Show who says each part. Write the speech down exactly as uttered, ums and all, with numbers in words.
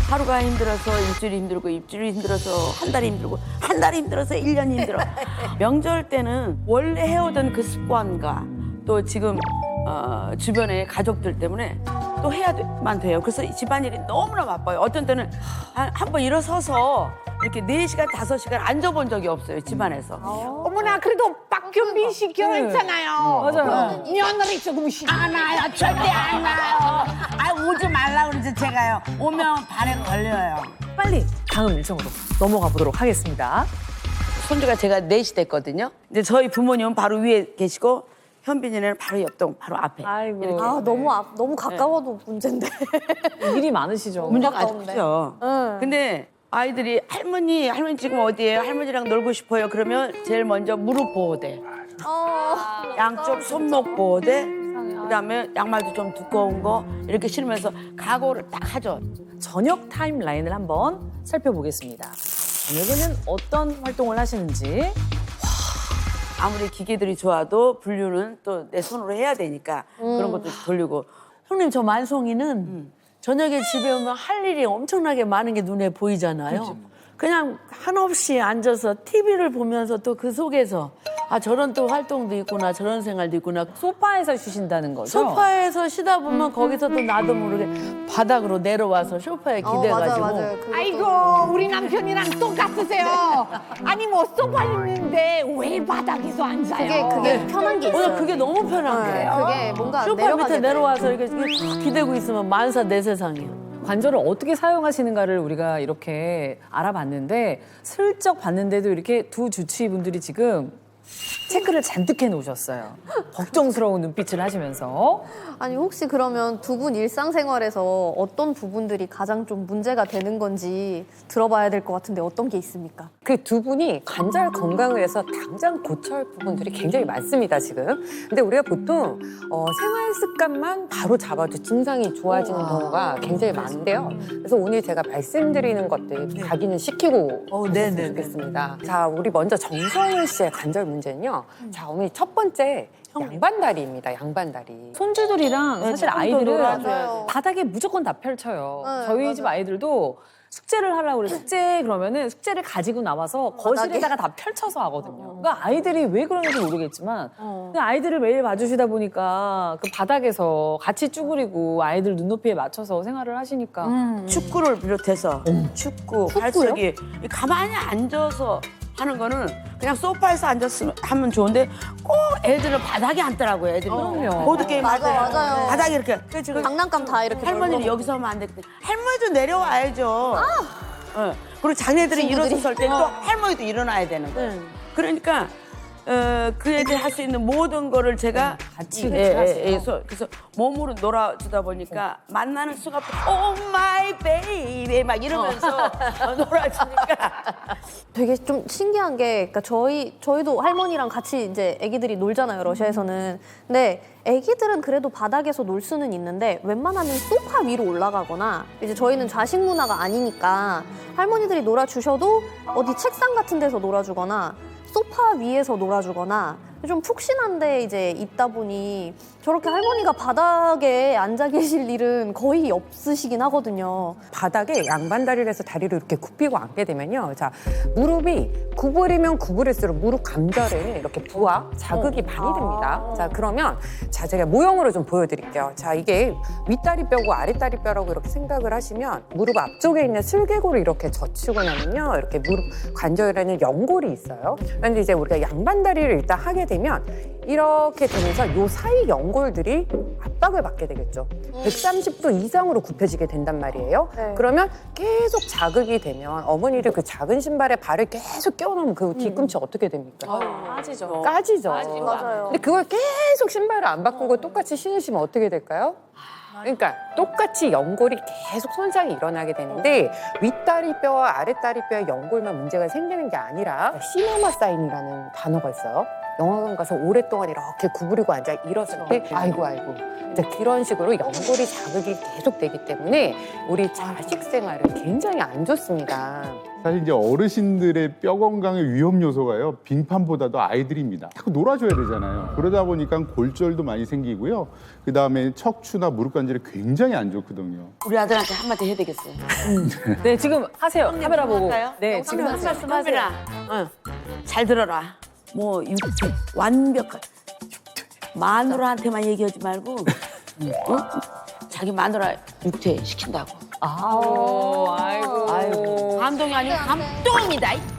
Speaker 1: 하루가 힘들어서 일주일이 힘들고 일주일이 힘들어서 한 달이 힘들고 한 달이 힘들어서 일 년이 힘들어. 명절 때는 원래 해오던 그 습관과 또 지금 어, 주변의 가족들 때문에 또 해야만 돼요. 그래서 집안일이 너무나 바빠요. 어떤 때는 한 번 일어서서 이렇게 네 시간, 다섯 시간 앉아본 적이 없어요, 집안에서.
Speaker 2: 어머나 그래도 박균빈 씨 결혼했잖아요.
Speaker 3: 맞아요.
Speaker 2: 며느리 조금 씩
Speaker 4: 안 와요. 절대 안 와요. 아, 오지 말라 그러지 제가요. 오면 발에 걸려요.
Speaker 3: 빨리 다음 일정으로 넘어가 보도록 하겠습니다.
Speaker 1: 손주가 제가 넷이 됐거든요. 근데 저희 부모님은 바로 위에 계시고 현빈이는 바로 옆동, 바로 앞에.
Speaker 3: 아이고.
Speaker 1: 이렇게.
Speaker 5: 아 너무 앞 너무 가까워도 문제인데.
Speaker 3: 일이 많으시죠.
Speaker 1: 문제가 아주
Speaker 5: 가까운데.
Speaker 1: 크죠.
Speaker 5: 응.
Speaker 1: 근데 아이들이 할머니, 할머니 지금 어디예요? 할머니랑 놀고 싶어요. 그러면 제일 먼저 무릎 보호대,
Speaker 5: 어.
Speaker 1: 양쪽 손목 보호대, 그다음에 양말도 좀 두꺼운 거 이렇게 신으면서 각오를 딱 하죠.
Speaker 3: 저녁 타임라인을 한번 살펴보겠습니다. 저녁에는 어떤 활동을 하시는지.
Speaker 1: 아무리 기계들이 좋아도 분류는 또 내 손으로 해야 되니까 그런 것도 돌리고.
Speaker 6: 형님 저 만송이는 저녁에 집에 오면 할 일이 엄청나게 많은 게 눈에 보이잖아요. 그냥 한없이 앉아서 티비를 보면서 또 그 속에서 아 저런 또 활동도 있구나 저런 생활도 있구나.
Speaker 3: 소파에서 쉬신다는 거죠?
Speaker 6: 소파에서 쉬다 보면 거기서 또 나도 모르게 바닥으로 내려와서 소파에
Speaker 5: 어,
Speaker 6: 기대가지고
Speaker 5: 맞아 맞아요. 그것도-
Speaker 2: 아이고 우리 남편이랑 똑같으세요. 아니 뭐 소파 있는데 왜 바닥에서 앉아요?
Speaker 5: 그게 그게 편한 게 있어요.
Speaker 6: 오늘 그게 너무 편한
Speaker 5: 네,
Speaker 6: 거예요.
Speaker 5: 그게 뭔가
Speaker 6: 소파
Speaker 5: 내려가게
Speaker 6: 밑에
Speaker 5: 돼.
Speaker 6: 내려와서 이렇게 탁 기대고 있으면 만사 내 세상이에요.
Speaker 3: 관절을 어떻게 사용하시는가를 우리가 이렇게 알아봤는데 슬쩍 봤는데도 이렇게 두 주치의분들이 지금 체크를 잔뜩 해놓으셨어요. 걱정스러운 눈빛을 하시면서.
Speaker 5: 아니 혹시 그러면 두 분 일상생활에서 어떤 부분들이 가장 좀 문제가 되는 건지 들어봐야 될 것 같은데 어떤 게 있습니까?
Speaker 7: 그 두 분이 관절 건강을 위해서 당장 고쳐야 할 부분들이 굉장히 많습니다, 지금. 근데 우리가 보통 어, 생활 습관만 바로 잡아도 증상이 좋아지는 경우가 굉장히 많은데요. 그래서 오늘 제가 말씀드리는 것들 각인을 시키고
Speaker 6: 어,
Speaker 7: 하셨으면
Speaker 6: 네네네.
Speaker 7: 좋겠습니다. 자, 우리 먼저 정성훈 씨의 관절 문제는요. 자, 어머니 첫 번째 양반다리입니다, 양반다리.
Speaker 3: 손주들이랑 사실
Speaker 1: 조금 더
Speaker 3: 아이들은
Speaker 1: 놀아줘요.
Speaker 3: 바닥에 무조건 다 펼쳐요.
Speaker 5: 네,
Speaker 3: 저희
Speaker 5: 맞아요.
Speaker 3: 집 아이들도 숙제를 하려고 그래. 숙제 그러면은 숙제를 가지고 나와서 거실에다가 다 펼쳐서 하거든요. 그러니까 아이들이 왜 그러는지 모르겠지만 그냥 아이들을 매일 봐주시다 보니까 그 바닥에서 같이 쭈그리고 아이들 눈높이에 맞춰서 생활을 하시니까
Speaker 1: 축구를 비롯해서 축구, 발차기 가만히 앉아서 하는 거는 그냥 소파에서 앉았으면 하면 좋은데 꼭 애들은 바닥에 앉더라고요. 애들이
Speaker 3: 그럼요.
Speaker 1: 보드 게임 할
Speaker 5: 맞아,
Speaker 1: 때
Speaker 5: 맞아요.
Speaker 1: 바닥에 이렇게
Speaker 5: 장난감 다 이렇게
Speaker 1: 할머니는
Speaker 5: 널고.
Speaker 1: 여기서 하면 안 되거든. 할머니도 내려와야죠. 어. 그리고 자네들이
Speaker 5: 친구들이.
Speaker 1: 일어섰을 때 또 할머니도 일어나야 되는 거예요.
Speaker 6: 네.
Speaker 1: 그러니까 어, 그 애들 할 수 있는 모든 거를 제가
Speaker 3: 같이
Speaker 1: 예,
Speaker 3: 하세요.
Speaker 1: 예, 예, 서- 그래서 몸으로 놀아주다 보니까 만나는 순간 오 마이 베이비 막 이러면서 어, 놀아주니까
Speaker 5: 되게 좀 신기한 게, 그러니까 저희 저희도 할머니랑 같이 이제 아기들이 놀잖아요, 러시아에서는. 근데 아기들은 그래도 바닥에서 놀 수는 있는데 웬만하면 소파 위로 올라가거나, 이제 저희는 좌식 문화가 아니니까 할머니들이 놀아주셔도 어디 책상 같은 데서 놀아주거나 소파 위에서 놀아주거나 좀 푹신한데 이제 있다 보니 저렇게 할머니가 바닥에 앉아 계실 일은 거의 없으시긴 하거든요.
Speaker 7: 바닥에 양반다리를 해서 다리를 이렇게 굽히고 앉게 되면요. 자, 무릎이 구부리면 구부릴수록 무릎 관절에 이렇게 부하, 자극이 많이 됩니다. 자, 그러면 자, 제가 모형으로 좀 보여드릴게요. 자, 이게 윗다리 뼈고 아랫다리 뼈라고 이렇게 생각을 하시면 무릎 앞쪽에 있는 슬개골을 이렇게 젖히고 나면요. 이렇게 무릎 관절에는 연골이 있어요. 그런데 이제 우리가 양반다리를 일단 하게 되면 이렇게 되면서 요 사이 연골들이 압박을 받게 되겠죠. 백삼십 도 이상으로 굽혀지게 된단 말이에요.
Speaker 5: 네.
Speaker 7: 그러면 계속 자극이 되면 어머니들 그 작은 신발에 발을 계속 끼워넣으면 그 뒤꿈치 어떻게 됩니까?
Speaker 3: 빠지죠.
Speaker 7: 까지죠.
Speaker 5: 맞아요.
Speaker 7: 근데 그걸 계속 신발을 안 바꾸고 똑같이 신으시면 어떻게 될까요? 그러니까 똑같이 연골이 계속 손상이 일어나게 되는데 윗다리 뼈와 아랫다리 뼈의 연골만 문제가 생기는 게 아니라 시네마 사인이라는 단어가 있어요. 영화관 가서 오랫동안 이렇게 구부리고 앉아 일었을 때 아이고 아이고 이제 그런 식으로 연골이 자극이 계속 되기 때문에 우리 자식 생활은 굉장히 안 좋습니다.
Speaker 8: 사실 이제 어르신들의 뼈 건강의 위험 요소가요, 빙판보다도 아이들입니다. 자꾸 놀아줘야 되잖아요. 그러다 보니까 골절도 많이 생기고요. 그 다음에 척추나 무릎 관절이 굉장히 안 좋거든요.
Speaker 1: 우리 아들한테 한마디 해야 되겠어요.
Speaker 3: 네, 지금 하세요. 카메라 보고.
Speaker 1: 할까요?
Speaker 3: 네, 지금
Speaker 1: 한
Speaker 3: 하세요.
Speaker 1: 말씀 하세요. 응. 잘 들어라. 뭐 육퇴 완벽한 마누라한테만 얘기하지 말고, 어? 자기 마누라 육퇴 시킨다고.
Speaker 3: 아우, 아이고.
Speaker 1: 감동이 아니고 감동입니다.